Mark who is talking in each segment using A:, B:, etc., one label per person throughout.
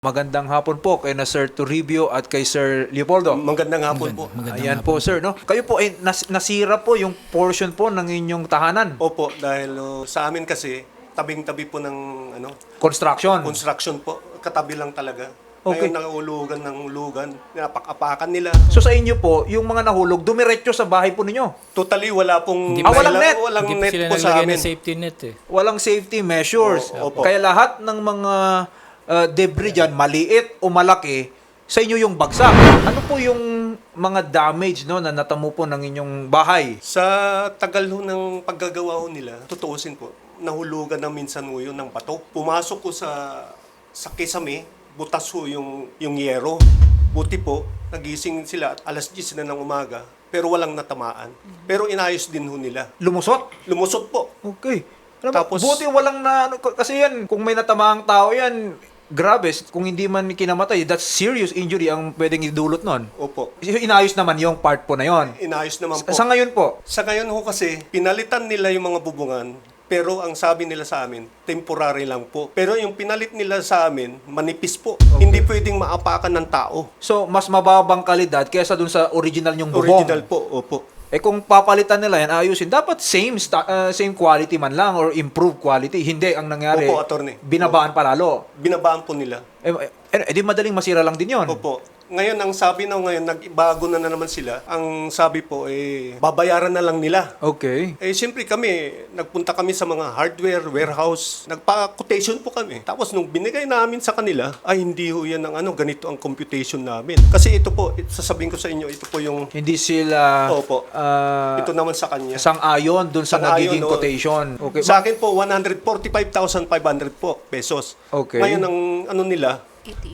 A: Magandang hapon po kay na Sir Toribio at kay Sir Leopoldo.
B: Magandang hapon po.
A: Ayan po sir, no? Kayo po ay nasira po yung portion po ng inyong tahanan.
B: Opo, dahil sa amin kasi tabing-tabi po ng
A: Construction.
B: construction po. Katabi lang talaga.
A: Okay.
B: Ngayon nangulugan ng lugan, napak-apakan nila.
A: So sa inyo po, yung mga nahulog, dumiretso sa bahay po ninyo.
B: Totally wala pong
A: walang net?
B: walang
C: Hindi
B: net
C: sila
B: po sa
C: naglagay
B: amin.
C: ng safety net eh.
A: Walang safety measures.
B: Opo.
A: Kaya lahat ng mga debris dyan, maliit o malaki, sa inyo yung bagsak. Ano po yung mga damage no, na natamo po ng inyong bahay?
B: Sa tagal ho ng paggagawa ho nila, tutuusin po, nahulugan na minsan ho yun ng bato. Pumasok ko sa kisame, butas ho yung yero. Buti po, nagising sila at alas 10 na ng umaga, pero walang natamaan. Pero inayos din ho nila.
A: Lumusot?
B: Lumusot po.
A: Okay. Alam mo,
B: Tapos-
A: buti walang kasi yan, kung may natamaang tao yan, grabe, kung hindi man kinamatay, that's serious injury ang pwedeng idulot nun.
B: Opo.
A: Inayos naman yung part po na yon.
B: Inayos naman po.
A: Sa ngayon po,
B: Sa ngayon ho kasi, pinalitan nila yung mga bubungan, pero ang sabi nila sa amin, temporary lang po. Pero yung pinalit nila sa amin, manipis po. Hindi pwedeng maapakan ng tao.
A: so mas mababang kalidad kaysa dun sa original yung bubong.
B: Original po, opo.
A: Eh kung papalitan nila yan, ayusin, dapat same quality man lang or improved quality. Hindi ang nangyari.
B: Opo, attorney.
A: Binabaan pa lalo.
B: Binabaan po nila.
A: Di madaling masira lang din yon.
B: Opo. Ngayon, ang sabi na ngayon, nagbago na naman sila. Ang sabi po, babayaran na lang nila.
A: Okay.
B: Siyempre kami, nagpunta kami sa mga hardware, warehouse, nagpa-quotation po kami. Tapos nung binigay namin sa kanila, ay hindi ho yan ang ganito ang computation namin. Kasi ito po, sasabihin ko sa inyo, ito po yung,
A: Hindi sila
B: Opo. Ito naman sa kanya.
A: sang-ayon dun sa
B: Sang-ayon,
A: nagiging
B: oo.
A: quotation. Okay.
B: Sa akin po, 145,500 po pesos.
A: Okay.
B: Ngayon, ang nila,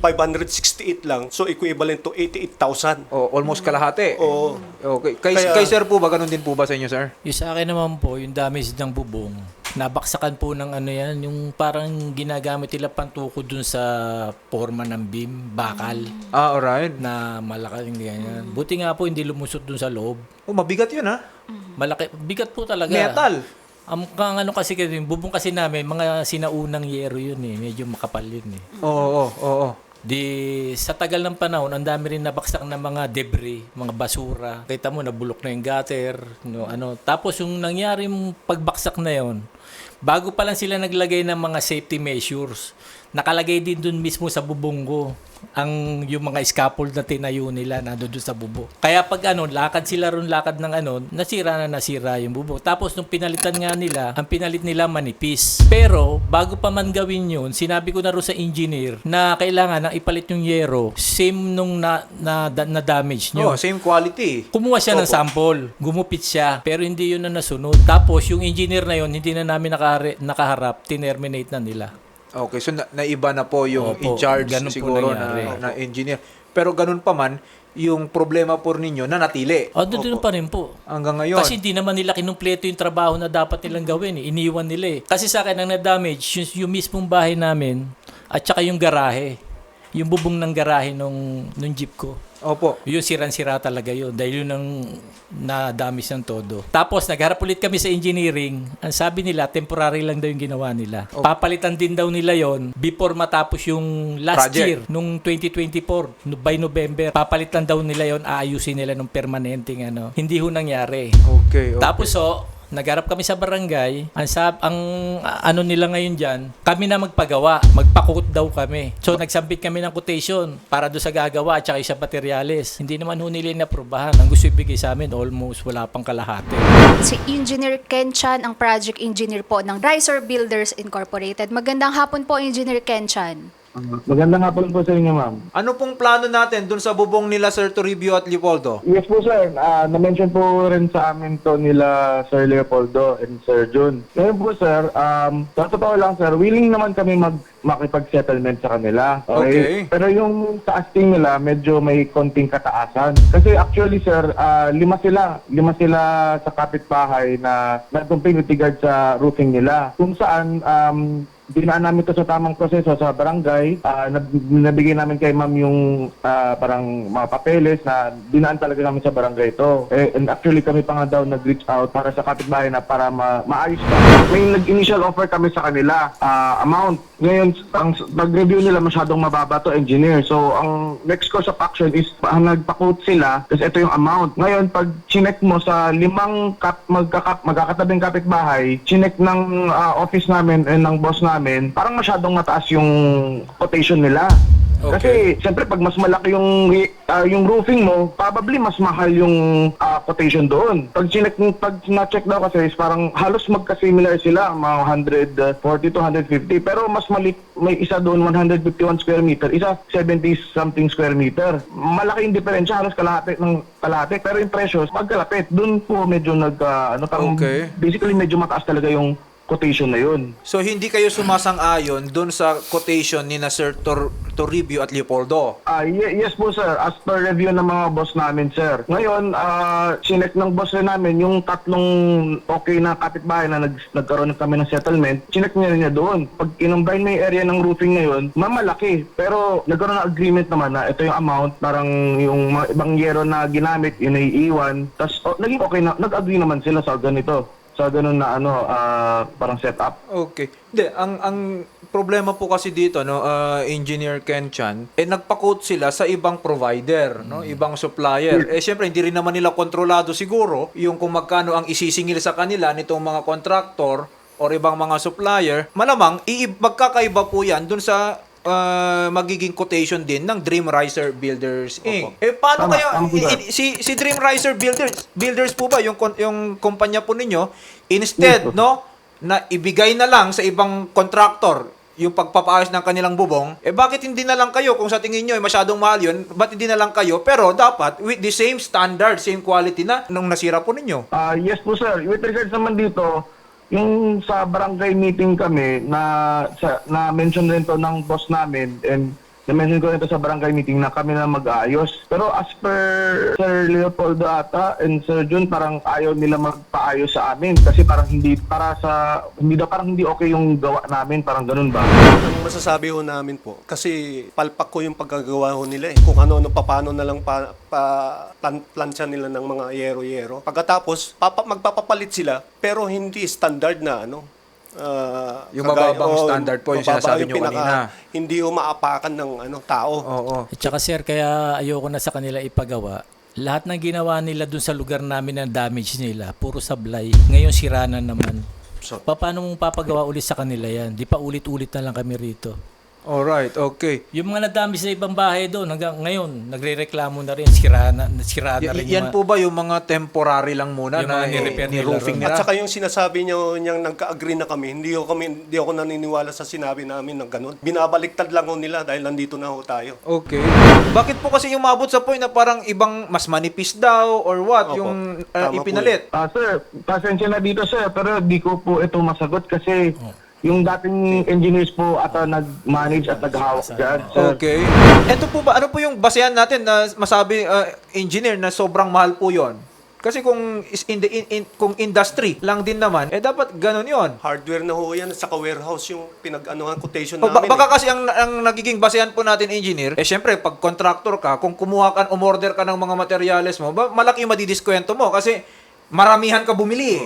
B: 568 lang. So, equivalent to 88,000.
A: Almost kalahati.
B: Oo.
A: Okay.
B: Kaya-
A: Kay sir po ba, ganun din po ba sa inyo, sir?
C: Yung sa akin naman po, yung damage ng bubong, nabaksakan po ng yan, yung parang ginagamit nila pantukod dun sa forma ng beam, bakal,
A: Alright.
C: na malaki yung ganyan. Buti nga po hindi lumusot dun sa loob.
A: Mabigat yun, ha?
C: Malaki, bigat po talaga.
A: Metal.
C: Ang kasi yung bubong kasi namin, mga sinaunang yero yun eh, medyo makapal yun eh.
A: Oo.
C: Di sa tagal ng panahon, ang dami rin nabaksak na mga debris, mga basura. Kita mo nabulok na yung gutter, Tapos yung nangyaring pagbaksak na yon, bago pa lang sila naglagay ng mga safety measures, nakalagay din dun mismo sa bubong ko yung mga scaffold na tinayo nila nandoon sa bubong. Kaya pag lakad sila ron, lakad ng nasira yung bubong. Tapos nung pinalitan nga nila, ang pinalit nila manipis. Pero bago pa man gawin yun, sinabi ko na rin sa engineer na kailangan nang ipalit yung yero, same nung na damage nyo.
A: Same quality.
C: Kumuha siya ng sample, gumupit siya, pero hindi yun na nasunod. Tapos yung engineer na yun, hindi na namin nakaharap, tinerminate na nila.
A: Okay, so naiba na po yung
C: Opo,
A: in charge
C: ganun po
A: siguro
C: nangyari.
A: na engineer. Pero ganun pa man, yung problema po ninyo nanatili
C: Doon pa rin po.
A: hanggang ngayon.
C: Kasi hindi naman nila kinumpleto yung trabaho na dapat nilang gawin. Iniwan nila eh. Kasi sa akin, ang na-damage, yung mismong bahay namin, at saka yung garahe. Yung bubong ng garahe nung jeep ko.
A: Opo.
C: Yun, sirang-sira talaga yun. Dahil yun ang na-damage ng todo. Tapos, nagharap ulit kami sa engineering. Ang sabi nila, temporary lang daw yung ginawa nila. Papalitan din daw nila yon before matapos yung last
A: Project.
C: year, nung 2024, by November. Papalitan daw nila yon, aayusin nila nung permanenteng Hindi ho nangyari.
A: Okay.
C: Tapos nagharap kami sa barangay. Ang nila ngayon diyan, kami na magpagawa, magpakut daw kami. So nagsambit kami ng quotation para do sa gagawa at saka sa materyales. Hindi naman ho nila inaprobahan. Ang gusto ibigay sa amin almost wala pang kalahati.
D: Si Engineer Ken Chan, ang project engineer po ng Riser Builders Incorporated. Magandang hapon po, Engineer Ken Chan.
E: Magandang hapon po sa inyo, ma'am.
A: Ano pong plano natin dun sa bubong nila Sir Toribio at Leopoldo?
E: Yes po, sir. Na-mention po rin sa amin to nila Sir Leopoldo and Sir Jun. Ngayon po, sir, sa totoo lang, sir, willing naman kami makipag-settlement sa kanila.
A: Okay.
E: Pero yung sa asking nila, medyo may konting kataasan. Kasi actually, sir, lima sila sa kapitbahay na nagtumping utigad sa roofing nila. Kung saan, dinaan namin to sa tamang proseso sa barangay. Nabigay namin kay ma'am yung parang mga papeles na dinaan talaga namin sa barangay to. And actually kami pa nga daw nag-reach out para sa kapitbahay na para maayos pa. May nag-initial offer kami sa kanila, amount. Ngayon, ang nag-review nila masyadong mababa to, engineer. So, ang next course of action is nagpa-quote sila kasi ito yung amount. Ngayon, pag chinek mo sa 5 magkakatabing kapitbahay, chinek ng office namin and ng boss namin, parang masyadong mataas yung quotation nila.
C: Okay.
E: Kasi, siyempre, pag mas malaki yung roofing mo, probably mas mahal yung quotation doon. Pag na-check daw kasi, is parang halos magka-similar sila, mga 140 to 150. Pero mas may isa doon, 151 square meter, isa 70-something square meter. Malaki yung diferensya, halos kalahati ng kalahati. Pero yung presyo, magkalapit. Doon po medyo
A: Okay.
E: basically medyo mataas talaga yung quotation na yun.
A: So hindi kayo sumasang-ayon dun sa quotation ni na Sir Toribio at Leopoldo?
E: Yes po sir, as per review ng mga boss namin sir. Ngayon, sinek ng boss rin namin yung tatlong okay na kapitbahay na nagkaroon kami ng settlement, sinek niya doon. Pag inumbine mo yung area ng roofing ngayon, mamalaki. Pero nagkaroon ng agreement naman na ito yung amount, parang yung mga ibang yero na ginamit, yun ay iiwan. Tapos naging okay na, nag-agree naman sila sa ganito. Sa ganun na parang setup.
A: Okay. Hindi, ang problema po kasi dito, no, Engineer Ken Chan, nagpa-quote sila sa ibang provider, no, ibang supplier. Syempre hindi rin naman nila kontrolado siguro yung kung magkano ang isisingil sa kanila nitong mga contractor or ibang mga supplier. Malamang magkakaiba po 'yan dun sa magiging quotation din ng Dream Riser Builders Inc. Paano
E: Tama,
A: kaya
E: tama.
A: si Dream Riser Builders po ba yung kumpanya po ninyo instead
E: Yes,
A: no na ibigay na lang sa ibang contractor yung pagpapaayos ng kanilang bubong, bakit hindi na lang kayo kung sa tingin nyo masyadong mahal yun, ba't hindi na lang kayo pero dapat with the same standard, same quality na nung nasira po ninyo?
E: Yes po sir, with regards naman dito, yung sa barangay meeting kami na mention rin to ng boss namin and na-mention ko rin to sa barangay meeting na kami na mag-aayos. Pero as per Sir Leopoldo ata and Sir Jun, parang ayaw nila magpaayos sa amin kasi parang hindi okay yung gawa namin, parang ganun ba?
B: Ang masasabi ho namin po, kasi palpak ko yung paggagawa ho nila eh. Kung ano-ano, paano na lang plansya nila ng mga yero-yero. Pagkatapos, magpapapalit sila, pero hindi standard na
A: Yung mababang standard po, yung sinasabi nyo kanina.
B: Hindi ho maapakan ng tao.
A: Oo.
C: At saka sir, kaya ayoko na sa kanila ipagawa. Lahat ng ginawa nila dun sa lugar namin na damage nila, puro sablay. Ngayon sira na naman. Paano mong papagawa ulit sa kanila yan? Di pa ulit-ulit na lang kami rito.
A: Alright, okay.
C: Yung mga nadamage sa ibang bahay doon, hanggang ngayon, nagre-reklamo na rin, sira na rin.
A: Yan po ba yung mga temporary lang muna
C: Yung
A: na
C: mga ni-repair nila
A: ni-roofing
C: ron.
A: nila?
B: At saka yung sinasabi niyo niyang nagka-agree na kami, hindi ako naniniwala sa sinabi namin ng ganun. Binabaliktad lang ho nila dahil nandito na ho tayo.
A: Okay. Bakit po kasi yung maabot sa point na parang ibang mas manipis daw or what
B: Opo.
A: yung
B: Tama po
A: ipinalit?
E: Sir, pasensya na dito sir, pero di ko po ito masagot kasi yung dating engineers po ata nag-manage at naghahawak dyan, sir.
A: Okay. Ito po ba, ano po yung basehan natin na masabi, engineer, na sobrang mahal po yon? Kasi kung kung industry lang din naman, dapat ganun yon.
B: Hardware na ho yan, saka warehouse yung quotation
A: O,
B: namin.
A: baka kasi ang nagiging basehan po natin, engineer, syempre, pag contractor ka, kung kumuha ka, umorder ka ng mga materyales mo, malaki yung madidiskwento mo kasi maramihan ka bumili.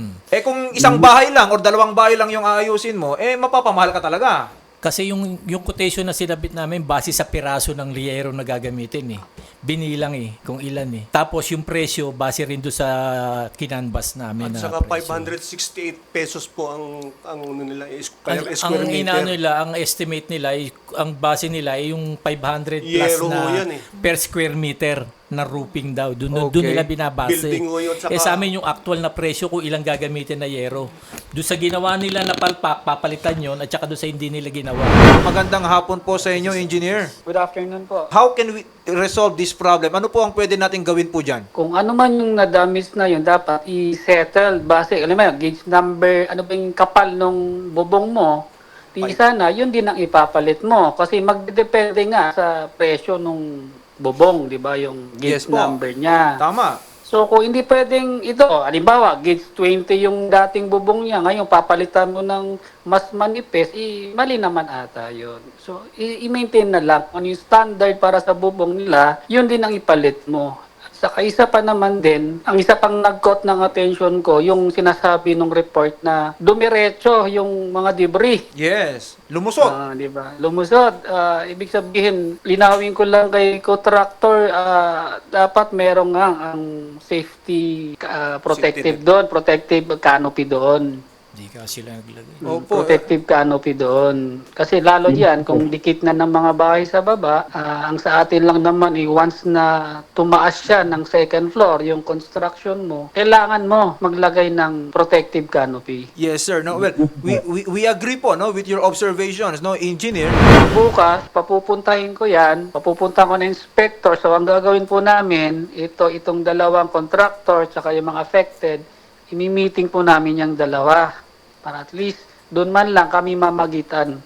A: Kung isang bahay lang or dalawang bahay lang yung aayusin mo, mapapamahal ka talaga.
C: Kasi yung quotation na sinabit namin, base sa piraso ng liyero na gagamitin eh. Binilang kung ilan eh. Tapos yung presyo, base rin doon sa kinanbas namin
B: At
C: na
B: saka
C: presyo.
B: 568 pesos po ang nila, square meter.
C: Ang estimate nila, ang base nila ay yung 500 plus
B: Yero ho
C: na
B: yan eh.
C: per square meter na roofing daw. Doon
A: Okay.
C: nila binabase.
B: Building ho yun, saka-
C: Sa amin yung actual na presyo kung ilang gagamitin na yero. Doon sa ginawa nila na palpak, papalitan yon at saka doon sa hindi nila ginawa.
A: Magandang hapon po sa inyo, engineer.
F: Good afternoon po.
A: How can we resolve this problem? Ano po ang pwede natin gawin po dyan?
F: Kung ano man yung na-damage na yun, dapat i-settle base, alam mo, gauge number, ano ba yung kapal nung bubong mo, di sana, yun din ang ipapalit mo. Kasi magdedepende nga sa presyo nung bubong, di ba, yung gauge
A: Yes po.
F: number niya.
A: Tama.
F: So kung hindi pwedeng ito, halimbawa, gauge 20 yung dating bubong niya, ngayon papalitan mo ng mas manipis, mali naman ata yun. So i-maintain na lang. Ano yung standard para sa bubong nila, yun din ang ipalit mo. Saka isa pa naman din, ang isa pang nag-caught ng attention ko, yung sinasabi ng report na dumiretso yung mga debris.
A: Yes. Lumusot.
F: Di ba? Lumusod. Ibig sabihin, linawin ko lang kay contractor, dapat merong nga ang safety protective
B: Safety net.
F: doon, protective canopy doon.
C: Hindi ka sila naglagay.
A: Opo.
F: Protective canopy doon. Kasi lalo yan, kung dikit na ng mga bahay sa baba, ang sa atin lang naman, once na tumaas siya ng second floor, yung construction mo, kailangan mo maglagay ng protective canopy.
A: Yes, sir. No, well, we agree po, no, with your observations, no, engineer.
F: Bukas, papupuntahin ko yan, papupunta ko na inspector. So, ang gagawin po namin, itong dalawang contractor, tsaka yung mga affected, imi-meeting po namin yung dalawa. Para at least, doon man lang kami mamagitan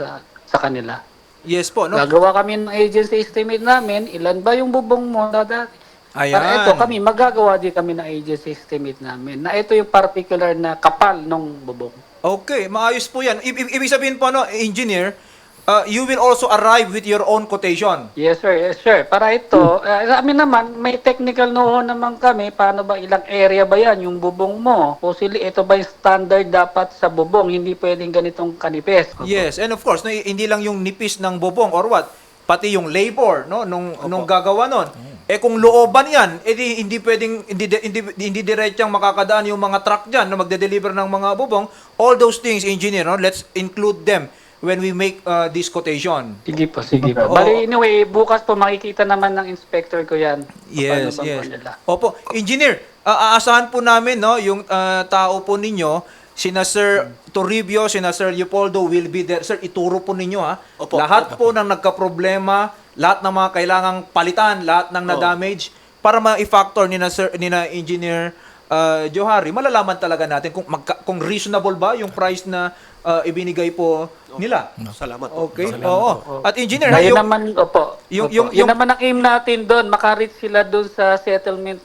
F: sa kanila.
A: Yes po, no.
F: Gagawa kami ng agency estimate namin, ilan ba yung bubong mo na dati?
A: Ayan.
F: Para ito, magagawa din kami ng agency estimate namin, na ito yung particular na kapal ng bubong.
A: Okay, maayos po 'yan. Ibig sabihin po, no, engineer, you will also arrive with your own quotation.
F: Yes sir, yes sir. Para ito, sa amin naman, may technical know-how naman kami, paano ba, ilang area ba yan, yung bubong mo? Possibly, ito ba yung standard dapat sa bubong, hindi pwedeng ganitong kanipes.
A: Yes, and of course, no, hindi lang yung nipis ng bubong or what, pati yung labor, no, nung gagawa nun. Kung looban 'yan, hindi pwedeng hindi diretsang makakadaan yung mga truck diyan na magde-deliver ng mga bubong. All those things, engineer, no, let's include them when we make this quotation.
F: Sige po, sige po.
A: Oo.
F: Bali, anyway, bukas po makikita naman ng inspector ko yan.
A: Yes,
F: Paano ba
A: yes.
F: nila?
A: Opo, engineer, aasahan po namin, no, yung tao po ninyo, sina Sir Toribio, sina Sir Leopoldo will be there. Sir, ituro po ninyo, ha.
B: Opo,
A: Lahat po ng nagka-problema, lahat ng mga kailangang palitan, lahat ng na-damage, para ma-factor ni na Engineer Johari, malalaman talaga natin kung reasonable ba yung price na ibinigay po nila.
B: Salamat po.
A: Okay? Oo. At engineer,
F: Ngayon
A: yung,
F: naman, opo.
A: yung-
F: Opo.
A: yung-
F: Yun naman ang aim natin doon, makareach sila doon sa settlement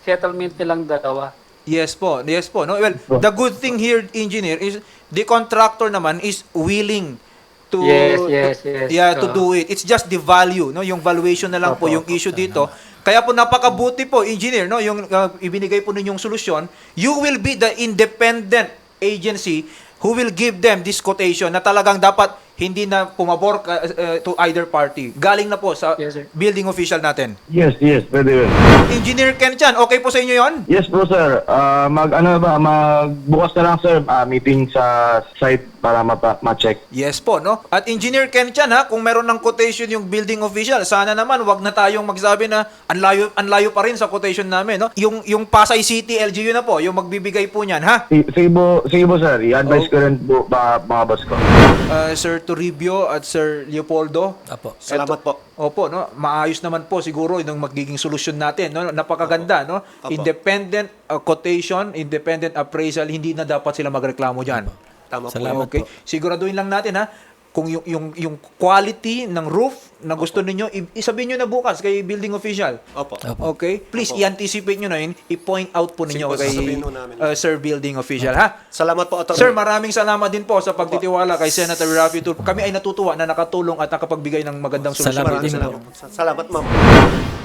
F: nilang dalawa.
A: yes po, no. Well, the good thing here, engineer, is the contractor naman is willing to
F: Yes.
A: to do it. It's just the value, no, yung valuation na lang po yung issue dito. Kaya po napakabuti po, engineer, no, yung ibinigay po ninyong solusyon. You will be the independent agency who will give them this quotation na talagang dapat hindi na pumabor to either party. Galing na po sa
F: Yes, sir.
A: building official natin.
E: Yes, pwede yun.
A: Engineer Ken Chan, okay po sa inyo 'yon?
E: Yes po sir, magbukas na lang sir, meeting sa site para ma-check.
A: Yes po, no? At Engineer Ken Chan, ha, kung meron ng quotation yung building official, sana naman wag na tayong magsabi na anlayo pa rin sa quotation namin, no? Yung Pasay City LGU na po, yung magbibigay po niyan, ha?
E: Sige po sir, i-advise ko rin po mga boss ko.
A: Sir Toribio at Sir Leopoldo.
C: Apo.
B: Salamat po.
A: Opo, no? Maayos naman po siguro yung magiging solusyon natin, no? Napakaganda, no?
B: Opo.
A: Independent quotation, independent appraisal, hindi na dapat sila magreklamo diyan.
B: Tama po.
C: Salamat
A: Okay.
C: po.
A: Siguraduhin lang natin, ha, kung yung quality ng roof na gusto ninyo, isabihin nyo na bukas kay building official.
B: Opo.
A: Okay? Please,
B: Opo.
A: i-anticipate nyo na yun, i-point out po ninyo
B: Sige po,
A: kay
B: sasabihin ho namin.
A: Sir building official, ha?
B: Salamat po, Atty.
A: Sir, maraming salamat din po sa pagtitiwala kay Senator Raffy Tulfo. Kami ay natutuwa na nakatulong at nakapagbigay ng magandang solusyon.
C: Salamat
B: Maraming
C: din po.
B: salamat. Salamat, ma'am.